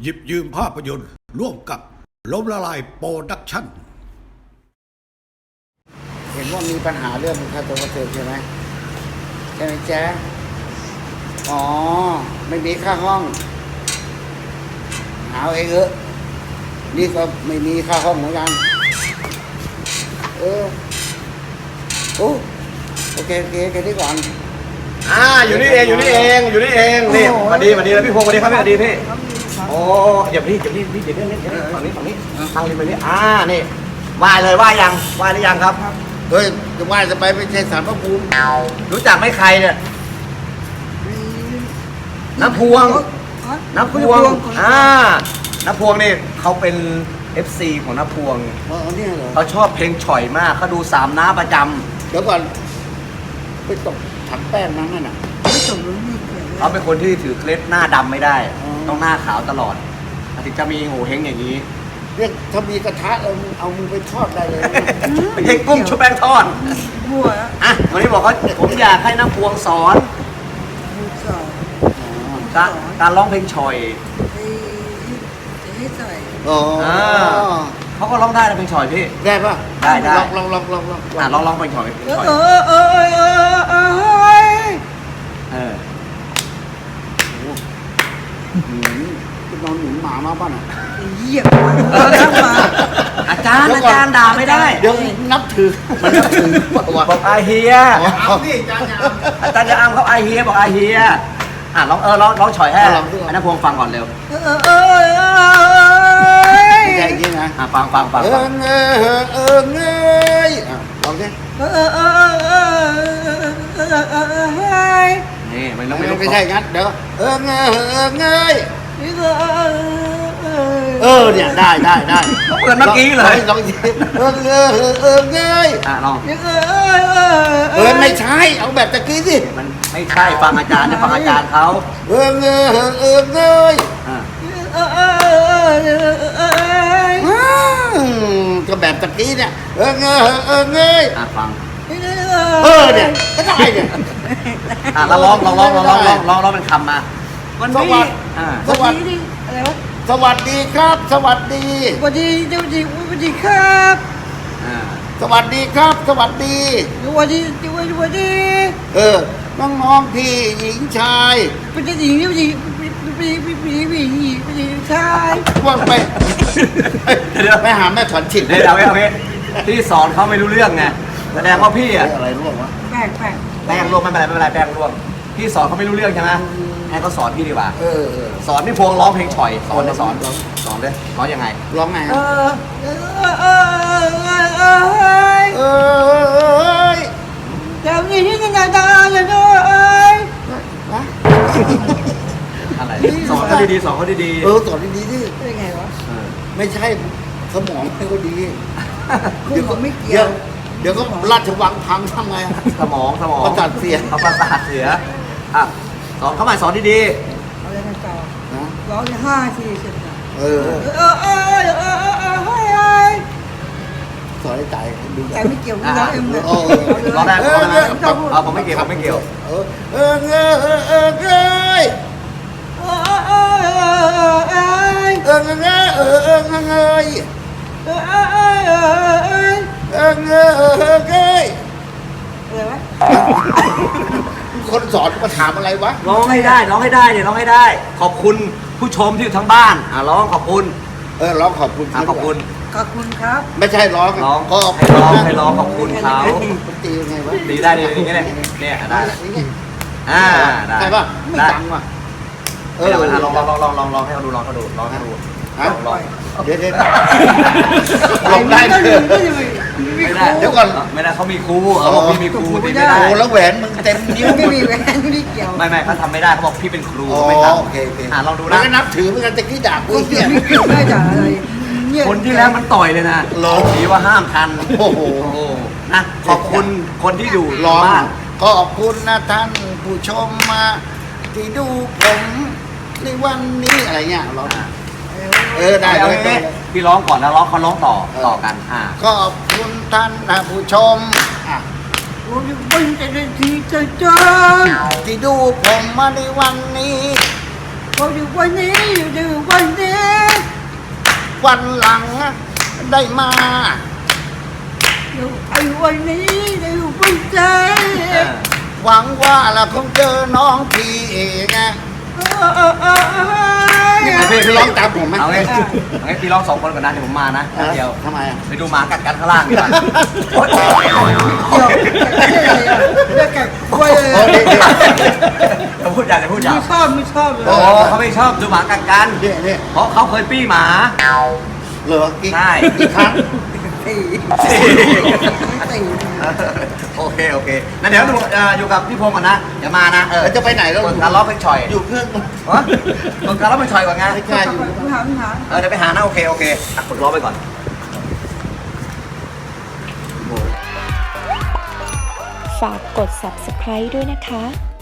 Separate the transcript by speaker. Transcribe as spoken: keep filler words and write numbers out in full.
Speaker 1: หยิบยืมภาพยนตร์ร่วมกับล้มละลายโปรดักชั่น
Speaker 2: เห็นว่ามีปัญหาเรื่องค่าตัวกระเทินใช่ไหมใช่ไหมแจ๊อ๋อไม่มีค่าห้องหาเองเออนี่ก็ไม่มีค่าห้องเหมือนกันเออโอ้โอเคโอเคแค่นี้ก่อน
Speaker 3: อ่าอยู่นี่เองอยู่นี่เองอยู่นี่เองนี่สวัสดีสวัสดีแล้วพี่พงศ์สวัสดีครับพี่สวัสดีพี่โอ้เดี๋ยวพี่เดี๋ยวพี่พี่เดี๋ยวนี่เดี๋ยวฝั่งนี้ฝั่งนี้ทางนี้ไปนี่อ่านี่ไหว้เลยไหว้ยังไหว้หรือยังครับ
Speaker 2: เฮ้ยจะไหว้จะไปไม่ใช่สารพระภูมิ
Speaker 3: รู้จักไหมใครเนี่ยน้ำพวงน้ำพวงอ่าน้ำพวงนี่เขาเป็น เอฟ ซี ของน้ำพวงเขาชอบเพลงฉ่อยมากเขาดูสามน้าประจำ
Speaker 2: เดี๋ยวก่อนไปตกถังแป้งนั้นน่ะไม่ตกเลย
Speaker 3: เขาเป็นคนที่ถือเคล็ดหน้าดำไม่ได้ต้องหน้าขาวตลอดถึงจะมีโง่เฮงอย่างนี้
Speaker 2: เรียกถ้ามีกระทะเอาเอามือไปทอดได้เลย
Speaker 3: ไปเฮงกุ้งชุบแป้งทอดบัวอ่ะวันนี้บอกเขาผมอยากให้น้ำพวงสอนการการร้องเพลงฉ่อย
Speaker 2: อ๋อ
Speaker 3: เขาก็ร้องได้นะเพลงฉ่อยพี่
Speaker 2: ได้ปะ
Speaker 3: ได้ได้
Speaker 2: ลองลองลองลอง
Speaker 3: อ่ะลองลองเพลงฉ่อยเพลงฉ่อย
Speaker 2: เออเออเออเออเออ
Speaker 3: เออ
Speaker 2: คุณนอนหนุนหมามาป่ะน่ะ
Speaker 4: เยี่ยม
Speaker 3: อาจารย์อาจารย์ด่าไม่ได้
Speaker 2: เดี๋ยวนับถือมันนับถือ
Speaker 3: บอกอาเฮียอาจารย์จะอ้ำเขาอาเฮียบอกอาเฮียอ่ะร้องเออร้องร้องฉ่อยให้อันนั้นพวงฟังก่อนเร็ว
Speaker 2: เออเออเออใช่จริงนะ
Speaker 3: อ่ะฟังฟังฟัง
Speaker 2: เออเงยเออเงยลองสิเออเออเออเออเออ
Speaker 3: นี่มันต้องไม่
Speaker 2: ไม่ใช่งั้นเดี๋ยวเออเงยเออเงยเออเนี่ยได้ได้ได้
Speaker 3: เหมือนเมื่อกี้เลย
Speaker 2: ลองสิเออเงยเออเงย
Speaker 3: อ่ะลอง
Speaker 2: เออไม่ใช่เอาแบบตะกี้สิ
Speaker 3: มันไม่ใช่ฟังอาจารย์นะฟังอาจารย์เขา
Speaker 2: เออเงยเออเงยก็แบบตะกี้เนี่ยเออเงยเออเงย
Speaker 3: อ่ะฟัง
Speaker 2: เออเนี่ยก็ได้เนี่ย
Speaker 3: อ่ะเราลองลองลองลองลองลองลองลองเป็นคำมา
Speaker 2: วันนี้สวัสดีอะไรวะสวัสดีครับสวัสดี
Speaker 4: สวัสดีสวัสดีสวัสดีครับ
Speaker 2: สวัสดีครับสวัสดี
Speaker 4: สวัสดีสวัสดีสวัสดี
Speaker 2: เออน้องน้องพี่หญิงชาย
Speaker 4: เป็นหญิงหญิงพี่พี่พี่พี่หญิงพี่ชาย
Speaker 2: ว่างไปเดี๋ยวไปหาแม่ถอนฉิด
Speaker 3: เดี๋ยวเอาเอาพี่สอนเขาไม่รู้เรื่องไงแสดงว่าพี่อะ
Speaker 2: อะไรร่วงวะ
Speaker 4: แป้งแป้ง
Speaker 3: แป้งร่วงไม่เป็นไรไม่เป็นไรแป้งร่วงพี่สอนเขาไม่รู้เรื่องใช่ไหมให้เขาสอนพี่ดีกว่า
Speaker 2: เออ
Speaker 3: สอนพี่พวงร้องเพลงฉ่อยสอนเลยสอนสอนเลยร้องยังไง
Speaker 2: ร้องไง
Speaker 4: เออเออเออเออ
Speaker 2: เออ
Speaker 4: เดี๋ยวนี้ที่ไหนตาจะดูเอ้ย
Speaker 3: อะไรสอนเขาดีๆสอนเขาดี
Speaker 2: ๆเออสอนดีๆดิ
Speaker 4: เป็นไงวะ
Speaker 2: ไม่ใช่สมองไม่ก็ดี
Speaker 4: เดี๋ยวก็ไม่เกี่ยว
Speaker 2: เดี๋ยวก็ราชวังพังทำไง
Speaker 3: สมองสมอง
Speaker 2: ประสาทเสีย
Speaker 3: เขาประสาทเสียอ่ะสอนเขาใหม่สอนดี
Speaker 4: ๆเอาเลยนะต่อร้องห้าทีเสร็จ
Speaker 2: เออ
Speaker 4: เออเออเออเออเออเฮ้ย
Speaker 2: สอนให้ใจดู
Speaker 4: ใจไม่เกี่ยวกับเราเองเลย
Speaker 3: ร้องได้ร้องได้เอาผมไม่เกี่ยวผมไม่เกี่ยว
Speaker 2: เออเออเออเออเออเออ
Speaker 4: เออเออเออเออ
Speaker 2: เออเงยเออเออเงยเออเงยเออเงย
Speaker 4: อะไรวะ
Speaker 2: คนสอนมาถามอะไรวะ
Speaker 3: ร้องให้ได้ร้องให้ได้เนี่ยร้องให้ได้ขอบคุณผู้ชมที่อยู่ทั้งบ้านอ่ะร้องขอบคุณ
Speaker 2: เออร้องขอบคุณ
Speaker 3: ขอบคุณ
Speaker 4: ขอบคุณครับ
Speaker 2: ไม่ใช่ร้อง
Speaker 3: ร้องก็ให้ร้องให้ร้องขอบคุณเขา
Speaker 2: ตียังไงวะ
Speaker 3: ตีได้เลยอย่างเงี้ยเนี่ยได้อ่าได้
Speaker 2: ใช่ป่ะไม่ดังว่ะ
Speaker 3: เออลองลองลองลองลองลองให้เขาดูลองเขาดูลองให้ดูลอง
Speaker 2: เดี๋ยวเดี๋ยว
Speaker 4: ลองได้
Speaker 3: ไม่ได้เดี๋ยวก่อนไม่ได้เขามีครูเขาบอกพี่มีครูตีไม่ได้
Speaker 2: โอ้แล้วแหวนมึงเต็มนิ้ว
Speaker 4: ไม่มีแหวนไม่เกี่ยว
Speaker 3: ไม่ไม่เขาทำไม่ได้เขาบอกพี่เป็นครูไม่ทำ
Speaker 2: โอเคโอเค
Speaker 3: อ่าลองดูนะ
Speaker 2: แล้วก็นับถือเหมือนกันจะกี้ด่ากูเนี่ย
Speaker 4: ไม่ด่าอะไร
Speaker 3: คนที่แล้วมันต่อยเลยนะผีว่าห้ามทัน
Speaker 2: โอ้โห
Speaker 3: นะขอบคุณคนที่อยู่
Speaker 2: รอบ้านขอบคุณนะท่านผู้ชมมาที่ดูผมในวันนี้อะไรเงี้ยร้องเออได้เลย
Speaker 3: พี่ร้องก่อนแล้วร้องเขาร้องต่อต่อกันอ่า
Speaker 2: ขอบคุณท่านผู้ชมอ่ะ
Speaker 4: วันจะได้ที่จะเจอ
Speaker 2: ที่ดูผมมาในวันนี้
Speaker 4: เขาอยู่วันนี้อยู่วันนี้
Speaker 2: วันหลังได้มา
Speaker 4: เดี๋ยวไอ้วันนี้เดี๋ยวไปเจอ
Speaker 3: เออ
Speaker 2: หวังว่าเราคงเจอน้องพี่เองไง
Speaker 4: เออเออเออเออ
Speaker 3: พี่พี่
Speaker 2: ร้องตามผมไหม
Speaker 3: เอาไงเอาไงพี่ร้องสองคนก่อนนะเดี๋ยวผมมานะ
Speaker 2: เออ
Speaker 3: เดี๋ยว
Speaker 2: ทำไมอ่ะ
Speaker 3: ไปดูหมากัดกันข้างล่างดีกว่าโอ๊ย
Speaker 4: เดี๋ยวแกคุยเลย
Speaker 2: โอ้ดีดี
Speaker 3: จะพูดอยากจะพูดอยาก
Speaker 4: ไม่ชอบไม่ชอบเลย
Speaker 3: โอ้เขาไม่ชอบดูหมากัดกัน
Speaker 2: เนี่ยเนี่ย
Speaker 3: เพราะเขาเคยปี้หมา
Speaker 2: เหรอกี่
Speaker 3: ใช่
Speaker 2: กี่ครั้ง
Speaker 4: ตีตี
Speaker 3: โอเคโอเคงั้นเดี๋ยวดูเอ่ออยู่กับพี่พงศ์ก่อนนะอย่ามานะเออ
Speaker 2: แล้วจะไปไหนแล้ว
Speaker 3: กดการล้อเพลงชอย
Speaker 2: อยู่เครื่อง
Speaker 3: ฮะกดการล้อเพลงชอยก่อนไง
Speaker 2: ไม่กล้าอยู่
Speaker 4: ไม่หาไม่หา
Speaker 3: เออเดี๋ยวไปหานะโอเคโอเคอ่ะกดล้อไปก่อน
Speaker 5: ฝากกด ซับสไครบ์ ด้วยนะคะ